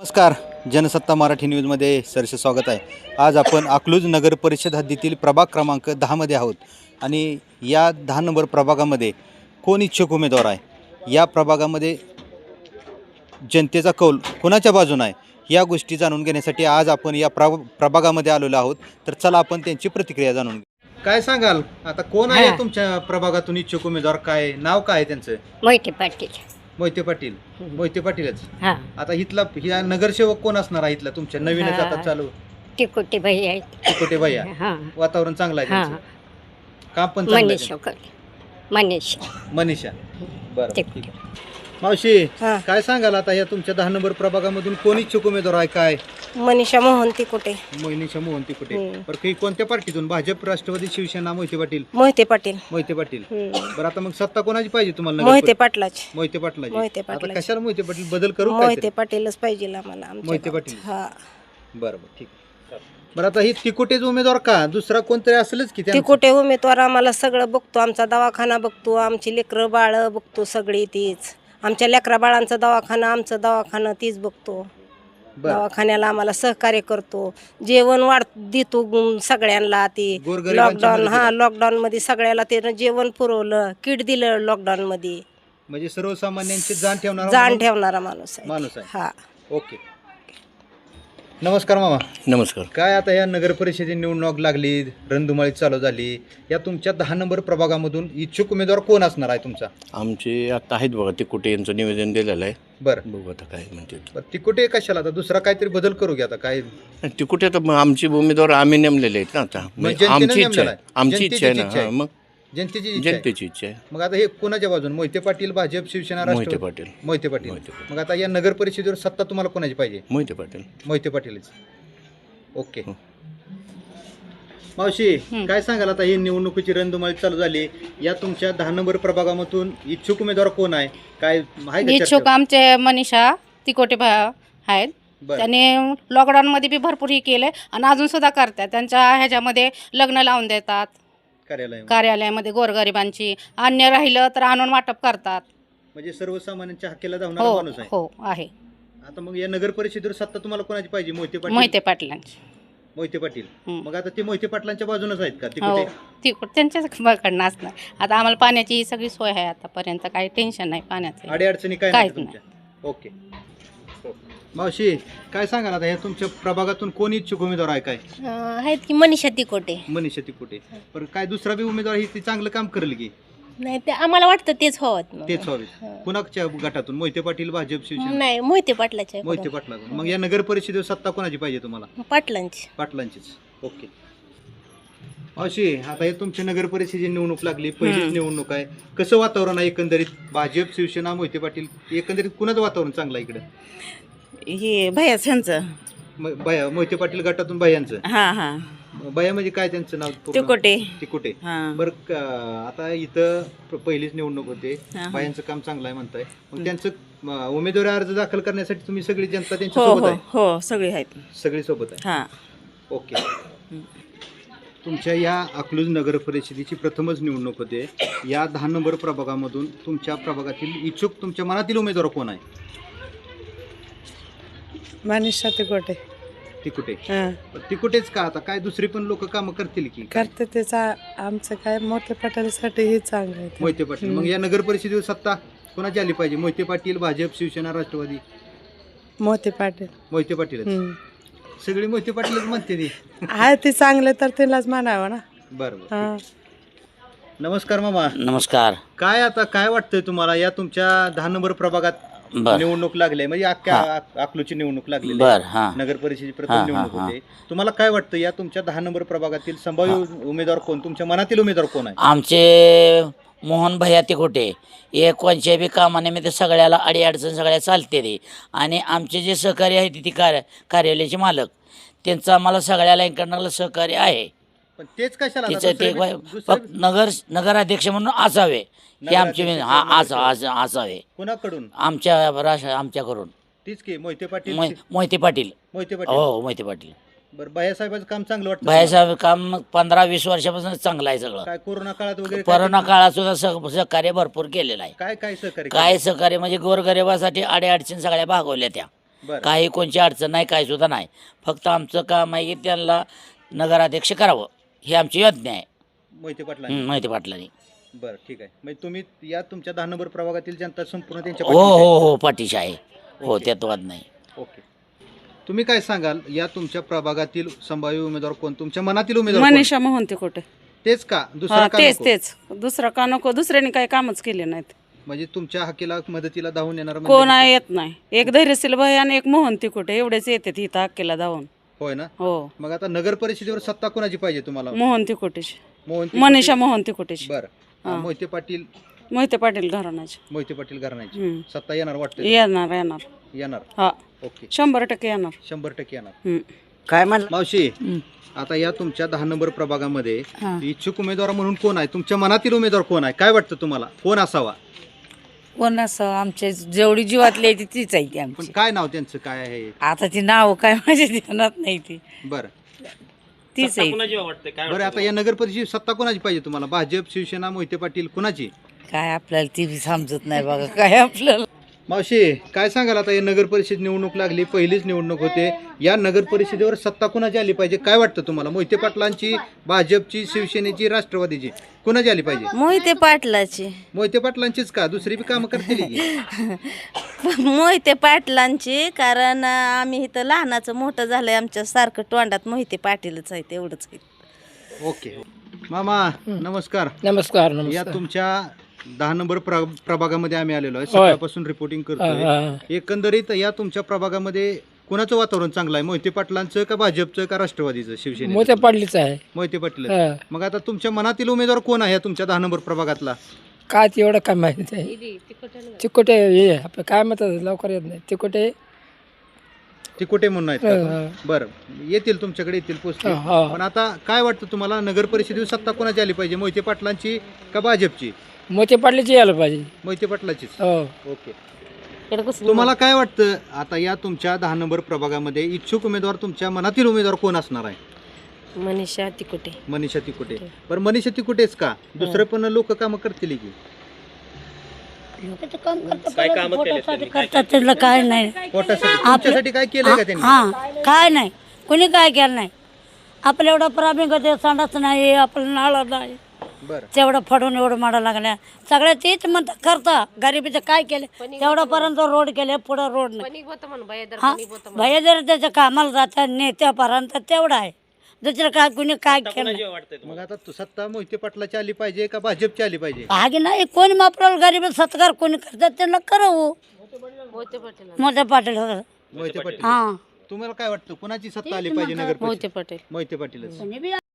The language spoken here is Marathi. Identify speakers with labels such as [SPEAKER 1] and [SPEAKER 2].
[SPEAKER 1] नमस्कार. जनसत्ता मराठी न्यूजमध्ये सरसे स्वागत आहे. आज आपण अकलूज नगर परिषद हद्दीतील प्रभाग क्रमांक 10मध्ये आहोत आणि या 10 नंबर प्रभागामध्ये कोण इच्छुक उमेदवार आहे, या प्रभागामध्ये जनतेचा कौल कोणाच्या बाजूने आहे, या गोष्टी जाणून घेण्यासाठी आज आपण या प्रभागामध्ये आलेलो आहोत. तर चला आपण त्यांची प्रतिक्रिया जाणून घेऊ. काय सांगाल, आता कोण आहे तुमच्या प्रभागातून इच्छुक उमेदवार, काय नाव काय त्यांचं?
[SPEAKER 2] मोहिते पाटील.
[SPEAKER 1] मोहिते पाटील. मोहिते पाटीलच.
[SPEAKER 2] हा,
[SPEAKER 1] आता इथला ह्या नगरसेवक कोण असणार आहे इथला तुमच्या? नवीनच आता चालू
[SPEAKER 2] टिकोटे भाई आहेत.
[SPEAKER 1] टिकोटे भैया.
[SPEAKER 2] हा,
[SPEAKER 1] वातावरण चांगलं आहे
[SPEAKER 2] हा.
[SPEAKER 1] त्यांचं. काम पण चांगलं आहे
[SPEAKER 2] मनीष
[SPEAKER 1] त्यांचं.
[SPEAKER 2] वगैरे. मनीष
[SPEAKER 1] मनीषा. बरं
[SPEAKER 2] ते-
[SPEAKER 1] ठीक आहे. मावशी
[SPEAKER 3] हा.
[SPEAKER 1] काय सांगाल, आता या तुमच्या 10 नंबर प्रभागामधून कोण इच्छुक उमेदवार आहे? काय
[SPEAKER 3] मनीषा मोहन तिकोटे.
[SPEAKER 1] मनीषा मोहन तिकुटे.
[SPEAKER 3] हम्म.
[SPEAKER 1] बरं, काही कोणत्या पार्टीतून? भाजप, राष्ट्रवादी, शिवसेना? मोहिते पाटील.
[SPEAKER 3] मोहिते पाटील.
[SPEAKER 1] मोहिते पाटील.
[SPEAKER 3] हम्म.
[SPEAKER 1] बरं, आता मग सत्ता कोणाची पाहिजे तुम्हाला?
[SPEAKER 3] मोहिते पाटलाची.
[SPEAKER 1] मोहिते पाटलाची.
[SPEAKER 3] मोहिते
[SPEAKER 1] आता
[SPEAKER 3] पाटलाची.
[SPEAKER 1] कशाला मोहिते पाटील? बदल करू
[SPEAKER 3] मोहिते
[SPEAKER 1] काहीतरी?
[SPEAKER 3] पाटीलच पाहिजे आम्हाला आमच्या
[SPEAKER 1] मोहिते
[SPEAKER 3] गावात.
[SPEAKER 1] पाटील.
[SPEAKER 3] हा.
[SPEAKER 1] बरं बरं ठीक आहे. बरं, आता ही तिकुटेच उमेदवार का? दुसरा कोणतरी असेलच की त्यांचं?
[SPEAKER 3] तिकोटे उमेदवार आम्हाला सगळं बघतो, आमचा दवाखाना बघतो, आमची लेकरं बाळ बघतो, सगळी तीच. आमच्या लेकरा बाळांचा दवाखाना, आमचं दवाखाना तीच बघतो.
[SPEAKER 1] बरं.
[SPEAKER 3] दवाखान्याला आम्हाला सहकार्य करतो, जेवण देतो सगळ्यांना. ती
[SPEAKER 1] गोरगरिबांच्या
[SPEAKER 3] लॉकडाऊन,
[SPEAKER 1] मदतीला.
[SPEAKER 3] हा लॉकडाऊन मध्ये सगळ्याला ते जेवण पुरवलं, किट दिलं लॉकडाऊन मध्ये.
[SPEAKER 1] म्हणजे सर्वसामान्यांची जाण ठेवणारा
[SPEAKER 3] जाण
[SPEAKER 1] माणूस-
[SPEAKER 3] ठेवणारा माणूस आहे.
[SPEAKER 1] माणूस आहे.
[SPEAKER 3] हा.
[SPEAKER 1] ओके. नमस्कार मामा.
[SPEAKER 4] नमस्कार.
[SPEAKER 1] काय आता या नगर परिषदेची निवडणूक लागली, रणधुमाळी चालू झाली, या तुमच्या 10 नंबर प्रभागामधून इच्छुक उमेदवार कोण असणार आहे तुमचा?
[SPEAKER 4] आमचे आता आहेत बघा, ते कुठे यांचं निवेदन दिलेलं आहे.
[SPEAKER 1] बरं
[SPEAKER 4] बघू आता काय म्हणते.
[SPEAKER 1] बरं, ती कुठे कशाला? आता दुसरा काहीतरी बदल करू घ्या. आता काय
[SPEAKER 4] ते कुठे आता मग आमचे उमेदवार आम्ही नेमलेले आहेत ना आता.
[SPEAKER 1] जनतेनं
[SPEAKER 4] आमची इच्छा
[SPEAKER 1] नेमलेला
[SPEAKER 4] आहे.
[SPEAKER 1] आहे.
[SPEAKER 4] आमची इच्छा आहे
[SPEAKER 1] जनतेची
[SPEAKER 4] ना.
[SPEAKER 1] इच्छा आहे.
[SPEAKER 4] हां, मग
[SPEAKER 1] जनतेची इच्छा आहे.
[SPEAKER 4] जनतेची इच्छा आहे.
[SPEAKER 1] मग आता हे कोणाच्या बाजून? मोहिते पाटील, भाजप, शिवसेना,
[SPEAKER 4] मोहिते
[SPEAKER 1] राष्ट्रवादी?
[SPEAKER 4] पाटील.
[SPEAKER 1] मोहिते पाटील.
[SPEAKER 4] मोहिते पाटील.
[SPEAKER 1] मग आता या नगर परिषदेवर सत्ता तुम्हाला कोणाची पाहिजे?
[SPEAKER 4] मोहिते पाटील.
[SPEAKER 1] मोहिते पाटीलच. ओके.
[SPEAKER 4] हो.
[SPEAKER 1] मावशी काय सांगाल, आता ही निवडणुकीची रणधुमाळी चालू झाली, या तुमच्या 10 नंबर प्रभागामधून इच्छुक उमेदवार कोण आहे? काय आहे का
[SPEAKER 5] इच्छुक
[SPEAKER 1] चर्चा?
[SPEAKER 5] आमचे मनीषा तिकोटे आहेत.
[SPEAKER 1] बरं.
[SPEAKER 5] त्यांनी लॉकडाऊनमध्ये बी भरपूर हे केलं आणि अजून सुद्धा करतात. त्यांच्या ह्याच्यामध्ये लग्न लावून देतात,
[SPEAKER 1] कार्यालय
[SPEAKER 5] कार्यालयामध्ये गोरगरिबांची. अन्य राहिलं तर आणून वाटप करतात.
[SPEAKER 1] म्हणजे सर्वसामान्यांच्या हक्केला धावणारा
[SPEAKER 5] हो
[SPEAKER 1] माणूस आहे.
[SPEAKER 5] हो आहे.
[SPEAKER 1] आता मग या नगर परिषदेवर सत्ता तुम्हाला कोणाची पाहिजे? मोहिते पाटील.
[SPEAKER 5] मोहिते पाटलांची.
[SPEAKER 1] मोहिते पाटील.
[SPEAKER 5] हं.
[SPEAKER 1] मग आता ते मोहिते पाटलांच्या बाजूनच आहेत का? ते
[SPEAKER 5] हो
[SPEAKER 1] कुठे?
[SPEAKER 5] तिकोट त्यांच्याकडनं असणार. आता आम्हाला पाण्याची ही सगळी सोय आहे, आतापर्यंत काही टेन्शन नाही पाण्याचं.
[SPEAKER 1] अडीअडचणी काय नाही
[SPEAKER 5] काहीच
[SPEAKER 1] तुमच्या? ओके. मावशी काय सांगाल, आता या तुमच्या प्रभागातून कोण इच्छुक उमेदवार आहे? काय
[SPEAKER 3] आहेत की मनीषा तिकोटे.
[SPEAKER 1] मनीषा तिकुटे. पण काय दुसरा बी उमेदवार ही ती चांगलं काम करेल की?
[SPEAKER 3] नाही ते आम्हाला वाटतं तेच हवं.
[SPEAKER 1] तेच व्हावे. कुणाच्या गटातून? मोहिते पाटील, भाजप, शिवसेना?
[SPEAKER 3] नाही मोहिते पाटलाच्या.
[SPEAKER 1] मोहिते पाटलातून. मग या नगर परिषदेवर सत्ता कोणाची पाहिजे तुम्हाला?
[SPEAKER 3] पाटलांची.
[SPEAKER 1] पाटलांचीच. ओके. अशी आता हे तुमच्या नगर परिषदेची निवडणूक लागली, पहिलीच निवडणूक आहे. कसं वातावरण आहे एकंदरीत? भाजप, शिवसेना, मोहिते पाटील, एकंदरीत कुणाचं वातावरण चांगलं आहे इकडे?
[SPEAKER 6] हे भैयाच ह्यांचं.
[SPEAKER 1] मोहिते पाटील गटातून भैयांचं.
[SPEAKER 6] हा हा.
[SPEAKER 1] भैया म्हणजे काय त्यांचं नाव पूर्ण?
[SPEAKER 6] तिकोटे.
[SPEAKER 1] तिकुटे.
[SPEAKER 6] हा.
[SPEAKER 1] बरं, आता इथं पहिलीच निवडणूक होते,
[SPEAKER 6] हा.
[SPEAKER 1] भैयांचं काम चांगलं आहे म्हणताय. मग त्यांचं उमेदवारी अर्ज दाखल करण्यासाठी तुम्ही सगळी जनता
[SPEAKER 6] हो
[SPEAKER 1] त्यांच्या सोबत
[SPEAKER 6] हो
[SPEAKER 1] आहे?
[SPEAKER 6] हो सगळे आहेत.
[SPEAKER 1] सगळी सोबत आहे.
[SPEAKER 6] हा.
[SPEAKER 1] ओके. तुमच्या या अकलूज नगर परिषदेची प्रथमच निवडणूक होते. या 10 नंबर प्रभागामधून तुमच्या प्रभागातील इच्छुक तुमच्या मनातील उमेदवार कोण आहे?
[SPEAKER 7] मनीषा तिकोटे.
[SPEAKER 1] तिकुटे.
[SPEAKER 7] हां
[SPEAKER 1] तिकुटेच का? आता काय दुसरी पण लोक कामं करतील की?
[SPEAKER 7] करते त्याचा आमचं काय मोठे पटायसाठी हे चांगलं आहे.
[SPEAKER 1] मोहिते पाटील. मग या नगर परिषदेवर सत्ता कोणाची आली पाहिजे? मोहिते पाटील, भाजप, शिवसेना, राष्ट्रवादी?
[SPEAKER 7] मोठे पाटील.
[SPEAKER 1] मोहिते पाटील. सगळी मोहिते पाटीलच म्हणते ती.
[SPEAKER 7] आहे ते चांगले तर त्यालाच म्हणावं ना.
[SPEAKER 1] बरोबर.
[SPEAKER 7] हां
[SPEAKER 1] नमस्कार मामा.
[SPEAKER 8] नमस्कार.
[SPEAKER 1] काय आता काय वाटतंय तुम्हाला, या तुमच्या 10 नंबर प्रभागात
[SPEAKER 8] बर
[SPEAKER 1] निवडणूक लागली, म्हणजे अख्ख्या अकलूजची निवडणूक लागली
[SPEAKER 8] बर हां
[SPEAKER 1] नगर परिषदेची प्रथम
[SPEAKER 8] हां,
[SPEAKER 1] निवडणूक
[SPEAKER 8] हां,
[SPEAKER 1] होते. तुम्हाला काय वाटतं, या तुमच्या 10 नंबर प्रभागातील संभाव्य उमेदवार कोण, तुमच्या मनातील उमेदवार कोण आहे?
[SPEAKER 8] आमचे मोहन भैया तिकोटे हे कोणत्या बी कामानिमित्त सगळ्याला अडीअडचण सगळ्या चालते रे. आणि आमचे जे सहकारी आहेत ती कार्यालयाचे मालक, त्यांचं आम्हाला सगळ्याला इकडनं सहकार्य आहे.
[SPEAKER 1] पण तेच कशाला आता
[SPEAKER 8] तिचं ते
[SPEAKER 1] दुसरं-
[SPEAKER 8] फक्त नगराध्यक्ष म्हणून असावे हे आमचे असावे
[SPEAKER 1] कुणाकडून?
[SPEAKER 8] आमच्याकडून
[SPEAKER 1] तीच की मोहिते पाटील.
[SPEAKER 8] मोहिते पाटील.
[SPEAKER 1] मोहिते पाटील.
[SPEAKER 8] हो मोहिते पाटील.
[SPEAKER 1] बरं, भैयासाहेबांचं काम चांगलं वाटतं?
[SPEAKER 8] भैयासाहेब काम 15-20 वर्षापासून चांगलं आहे सगळं.
[SPEAKER 1] काय कोरोना काळात वगैरे काय
[SPEAKER 8] कोरोना काळात सुद्धा सहकार्य भरपूर केलेलं आहे.
[SPEAKER 1] काय काय सहकार्य
[SPEAKER 8] काय सहकार्य म्हणजे गोरगरिबासाठी अडीअडचणी सगळ्या भागवल्या त्या.
[SPEAKER 1] बरं.
[SPEAKER 8] काही कोणची अडचण नाही काय सुद्धा नाही. फक्त आमचं काम आहे की त्यांना नगराध्यक्ष करावं ही आमची योजना आहे.
[SPEAKER 1] मोहिते पाटला
[SPEAKER 8] माहिती पाटलांनी.
[SPEAKER 1] बरं ठीक आहे. म्हणजे तुम्ही या तुमच्या 10 नंबर प्रभागातील जनता संपूर्ण त्यांच्या
[SPEAKER 8] हो
[SPEAKER 1] पाठीशी आहे?
[SPEAKER 8] हो हो पाठीशी आहे. हो
[SPEAKER 1] ओके.
[SPEAKER 8] त्यात वाद नाही.
[SPEAKER 1] ओके. तुम्ही काय सांगाल या तुमच्या प्रभागातील संभाव्य उमेदवार कोण, तुमच्या मनातील उमेदवार कोण?
[SPEAKER 6] मनीषा मोहन तिकोटे.
[SPEAKER 1] तेच का, दुसरा का
[SPEAKER 6] तेच
[SPEAKER 1] नको?
[SPEAKER 6] तेच दुसरं का नको, दुसऱ्याने काही कामच केले नाहीत.
[SPEAKER 1] म्हणजे तुमच्या हकीला मदतीला धावून येणार
[SPEAKER 6] कोण आहे येत नाही. एक धैर्यशील भाई आणि एक मोहन तिकोटे एवढेच येतात इथं अक्केला धावून.
[SPEAKER 1] होय ना.
[SPEAKER 6] हो
[SPEAKER 1] मग आता नगर परिषदेवर सत्ता कोणाची पाहिजे तुम्हाला?
[SPEAKER 6] मोहन तिकोटेची.
[SPEAKER 1] मोहन तिकोटे-
[SPEAKER 6] मनीषा मोहन तिकोटेची.
[SPEAKER 1] बरं.
[SPEAKER 6] हा.
[SPEAKER 1] मोहिते पाटील
[SPEAKER 6] मोहिते पाटील घराण्याची.
[SPEAKER 1] मोहिते पाटील घराण्याची
[SPEAKER 6] हम्म.
[SPEAKER 1] सत्ता येणार वाटतं?
[SPEAKER 6] येणार येणार.
[SPEAKER 1] येणार.
[SPEAKER 6] हा
[SPEAKER 1] ओके.
[SPEAKER 6] 100% येणार.
[SPEAKER 1] 100% येणार.
[SPEAKER 6] हम्म.
[SPEAKER 8] काय म्हणलं?
[SPEAKER 1] मावशी, आता या तुमच्या 10 नंबर प्रभागामध्ये इच्छुक उमेदवार म्हणून कोण आहे? तुमच्या मनातील उमेदवार कोण आहे? काय वाटतं तुम्हाला कोण असावा?
[SPEAKER 9] कोण असं आमच्या जेवढी जीवातली आहे तीच आहे ती
[SPEAKER 1] पण
[SPEAKER 9] आमची.
[SPEAKER 1] काय नाव त्यांचं काय आहे?
[SPEAKER 9] आता ती नाव काय माझ्या ध्यानात नाही ती.
[SPEAKER 1] बरं.
[SPEAKER 9] तीच आहे.
[SPEAKER 1] बरं, आता या नगर परिषद सत्ता कोणाची पाहिजे तुम्हाला? भाजप, शिवसेना, मोहिते पाटील, कुणाची?
[SPEAKER 9] काय आपल्याला ती बी समजत नाही बघा काय आपल्याला.
[SPEAKER 1] मावशी, काय सांगाल आता या नगर परिषद निवडणूक लागली, पहिलीच निवडणूक होते, या नगर परिषदेवर सत्ता कुणाची आली पाहिजे? काय वाटतं तुम्हाला? मोहिते पाटलांची, भाजपची, शिवसेनेची, राष्ट्रवादीची, कुणाची आली पाहिजे?
[SPEAKER 10] मोहिते पाटलाची.
[SPEAKER 1] मोहिते पाटलांचीच का, दुसरी बी कामं करतील की?
[SPEAKER 10] मोहिते पाटलांची, कारण आम्ही इथं लहानाचं मोठं झालंय, आमच्या सारखं तोंडात मोहिते पाटीलच आहे, तेवढंच आहे.
[SPEAKER 1] ओके. मामा नमस्कार.
[SPEAKER 11] नमस्कार.
[SPEAKER 1] या तुमच्या 10 नंबर प्रभागामध्ये आम्ही आलेलो आहे, सकाळपासून रिपोर्टिंग करतोय. एकंदरीत या तुमच्या प्रभागामध्ये कोणाचं वातावरण चांगलं आहे? मोहिते पाटलांचं का भाजपचं का राष्ट्रवादीचं, शिवसेनेचं?
[SPEAKER 11] मोठ्या पाडलीच आहे.
[SPEAKER 1] मोहिते पाटील. मग आता तुमच्या मनातील उमेदवार कोण आहे या तुमच्या 10 नंबर प्रभागातला?
[SPEAKER 11] काय ते एवढं काय माहिती आहे. तिकोटे हे आपलं काय म्हणतात लवकर येत नाही. तिकोटे
[SPEAKER 1] तिकोटे म्हणून आहेत का? बरं, येतील तुमच्याकडे, येतील, पोचतील. पण आता काय वाटतं तुम्हाला, नगर परिषदेवर सत्ता कोणाची आली पाहिजे? मोहिते पाटलांची का भाजपची?
[SPEAKER 11] मोठे पाडलीची यायला पाहिजे.
[SPEAKER 1] मोहिते पाटलाचीच.
[SPEAKER 11] हो.
[SPEAKER 1] ओके. तुम्हाला काय वाटतं आता या तुमच्या 10 नंबर प्रभागामध्ये इच्छुक उमेदवार, तुमच्या मनातील उमेदवार कोण असणार आहे?
[SPEAKER 3] मनीषा तिकोटे.
[SPEAKER 1] मनीषा तिकोटे. बरं, मनीषा तिकोटेच का, दुसरे पण लोक कामं करतील की?
[SPEAKER 9] करतात त्याला काय नाही.
[SPEAKER 1] पोटासाठी तुमच्यासाठी काय केलंय का त्यांनी?
[SPEAKER 9] हा काय नाही कोणी काय केलं नाही. आपल्या एवढा प्रॉब्लेम करते, संडास नाही, आपलं नाळं नाही,
[SPEAKER 1] बरं.
[SPEAKER 9] तेवढं फडून एवढं माडा लागल्या सगळ्या तेच म्हणतात करता. गरिबीचं काय केलं तेवढ्यापर्यंत रोड केले, पुढं रोड नाही. हा भैया जर त्याच्या कामाला जातात नेत्यापर्यंत तेवढं आहे, दुसरं काय कुणी काय केलं नाही.
[SPEAKER 1] मग आता सत्ता मोहिते पाटलाची आली पाहिजे का भाजपची आली पाहिजे?
[SPEAKER 9] आगे नाही कोणी मापराला गरीब सत्कार कोणी करतात त्यांना करावं. मोठे पाटील
[SPEAKER 1] मोहिते पाटील.
[SPEAKER 9] हा
[SPEAKER 1] तुम्हाला काय वाटतं, कोणाची सत्ता आली पाहिजे नगर परिषद? मोहिते पाटीलच.